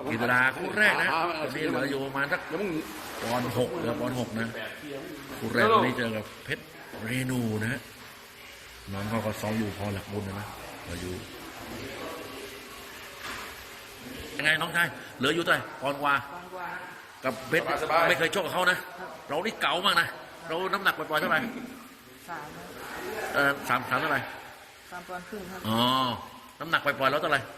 กีฬาคู่แรกนะวันนี้เหลืออยู่ประมาณสักปอนด์หกเหลือปอนด์หกนะคู่แรกวันนี้เจอกับเพชรเรนูนะฮะน้องเขาก็ซ้อมอยู่พอหลักบุญนะเหลืออยู่ยังไงน้องชายเหลืออยู่เท่าไหร่ปอนด์กว่ากับเพชรไม่เคยชกกับเขานะเรานี่เก๋ามากนะเราน้ำหนักปล่อยๆเท่าไหร่สามเท่าไหร่ 3 ปอนด์ครึ่งครับอ๋อน้ำหนักปล่อยๆแล้วเท่าไหร่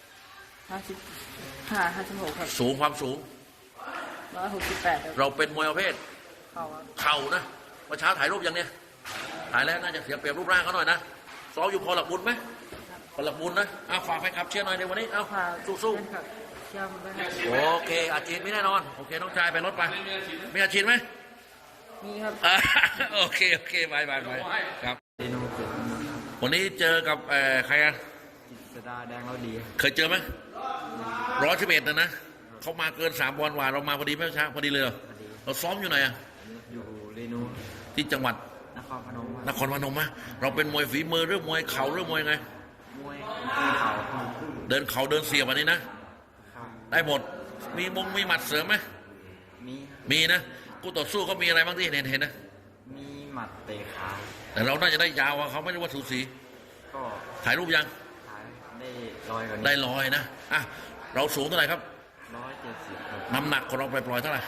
55 56ครับสูงความสูง 168ครับเราเป็นมวยประเภทเข่านะเมื่อเช้าถ่ายรูปยังเนี่ยถ่ายแล้วน่าจะเสียเปรียบรูปร่างเขาหน่อยนะซ้อมอยู่พอหลักบุญไหมพอหลักบุญนะฝากแฟนคลับเชียร์หน่อยในวันนี้สู้ๆเชียร์ผมด้วยครับโอเคอาชีพไม่แน่นอนโอเคน้องชายไปรถไปมีอาชีพไหมมีครับโอเคไปครับเรนูเกิดวันนี้เจอกับใครกันจิตรดาแดงเราดีเคยเจอไหม111นะเขามาเกิน3 ปอนด์กว่าเรามาพอดีไหมช้าพอดีเลยเราซ้อมอยู่ไหนอยู่เรนูที่จังหวัดนครพนมมะเราเป็นมวยฝีมือหรือมวยเข่าหรือมวยไงมวยเข่าเดินเสียบวันนี้นะได้หมดมีหมัดเสริมไหมมีนะกูต่อสู้เขามีอะไรบ้างที่เห็นนะมีหมัดเตะขาแต่เราน่าจะได้ยาวเขาไม่รู้ว่าสูสีก็ถ่ายรูปยังได้ร้อยนะเราสูงเท่าไหร่ครับ 170ครับน้ำหนักของเราปล่อยเท่าไหร่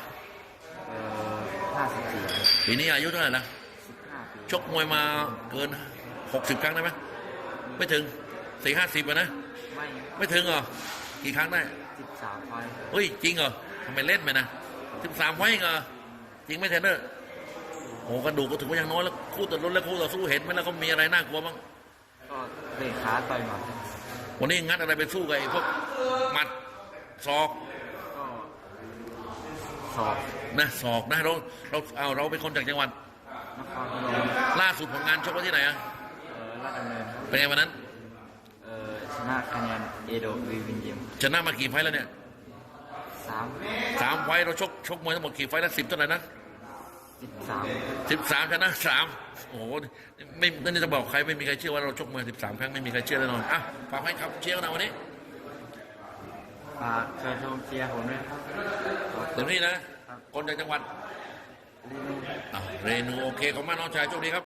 54 ปีนี้อายุเท่าไหร่ละ 15 ปีชกมวยมาเกิน60 ครั้งได้ไหมไม่ถึง40-50นะไม่ถึงเหรอกี่ครั้งได้ 13 ไฟเฮ้ยจริงเหรอทำไมเล่นไปนะ13 ไฟเหรอจริงไหมเทรนเนอร์โอ้กระดูกก็ถือว่ายังน้อยแล้วคู่ต่อรถและคู่ต่อสู้เห็นไหมแล้วก็มีอะไรน่ากลัวบ้างก็เตะขาต่อยหมัดวันนี้งัดอะไรไปสู้กับไอ้พวกหมัดศอกก็ศอกนะเราเป็นคนจากจังหวัดนครพนมล่าสุดผลงานชกไว้ที่ไหนราชดำเนินเป็นไงวันนั้นชนะคะแนนเอโดวีวินเยมชนะมากี่ไฟแล้วเนี่ย3 ไฟเราชกมวยทั้งหมดกี่ไฟแล้ว10เท่าไหร่นะ13ชนะ3โอ้โหไม่นั่นจะบอกใครไม่มีใครเชื่อว่าเราชกมวย13 ครั้งไม่มีใครเชื่อแน่นอนฝากให้ครับเชียร์กันนะวันนี้ฝากเชิญชมเชียร์ผมด้วยครับเดี๋ยวนี้นะคนจากจังหวัดเรนูโอเคขอบคุณมากน้องชายโชคดีครับ